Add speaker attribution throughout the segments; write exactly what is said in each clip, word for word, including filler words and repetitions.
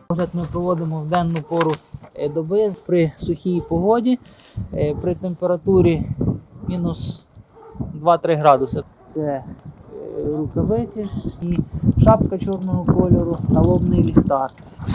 Speaker 1: Огляд ми проводимо в денну пору доби при сухій погоді, при температурі мінус два-три градуси. Це рукавиці і шапка чорного кольору, налобний ліхтар.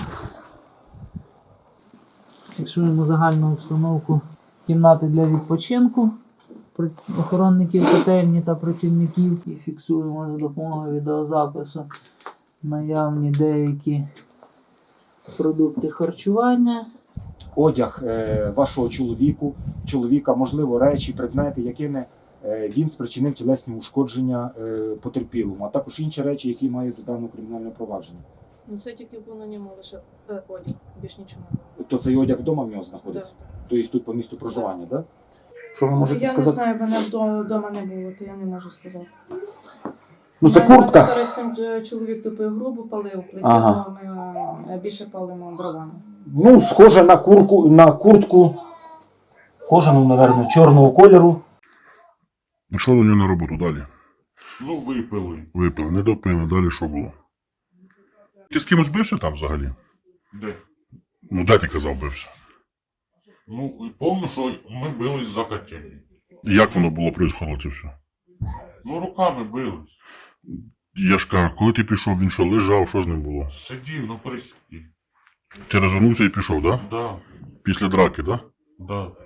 Speaker 1: Фіксуємо загальну обстановку кімнати для відпочинку охоронників котельні та працівників і фіксуємо за допомогою відеозапису наявні деякі продукти харчування.
Speaker 2: Одяг е, вашого чоловіку, чоловіка, можливо, речі, предмети, якими е, він спричинив тілесні ушкодження е, потерпілому, а також інші речі, які мають до даного кримінального провадження.
Speaker 3: Ну це тільки був на ньому лише е, одяг, більш нічого.
Speaker 2: Тобто цей одяг вдома в нього знаходиться?
Speaker 3: Да.
Speaker 2: Тобто тут по місцю проживання, так? Да? Що ви можете
Speaker 3: я
Speaker 2: сказати?
Speaker 3: Я не знаю, мене вдома не було, то я не можу сказати.
Speaker 2: Ну це
Speaker 3: мене,
Speaker 2: куртка.
Speaker 3: Перед цим чоловік тупив грубу, палив, плетів,
Speaker 2: Ага.
Speaker 3: ми більше палимо дровами.
Speaker 2: Ну, схоже на, курку, на куртку кожану, мабуть, чорного кольору.
Speaker 4: Ну що до нього на роботу далі?
Speaker 5: Ну, випили.
Speaker 4: Випив, не допили, далі що було? Ти з кимось бився там взагалі?
Speaker 5: Де?
Speaker 4: Ну де ти казав бився?
Speaker 5: Ну, і повно, що ми бились за котельні.
Speaker 4: І як воно було происходило це все?
Speaker 5: Ну, руками бились.
Speaker 4: Я ж кажу, коли ти пішов, він що, лежав, що з ним було?
Speaker 5: Сидів на приспі.
Speaker 4: Ти розвернувся і пішов, так? Да?
Speaker 5: Да,
Speaker 4: Після драки, так? Да?
Speaker 5: да.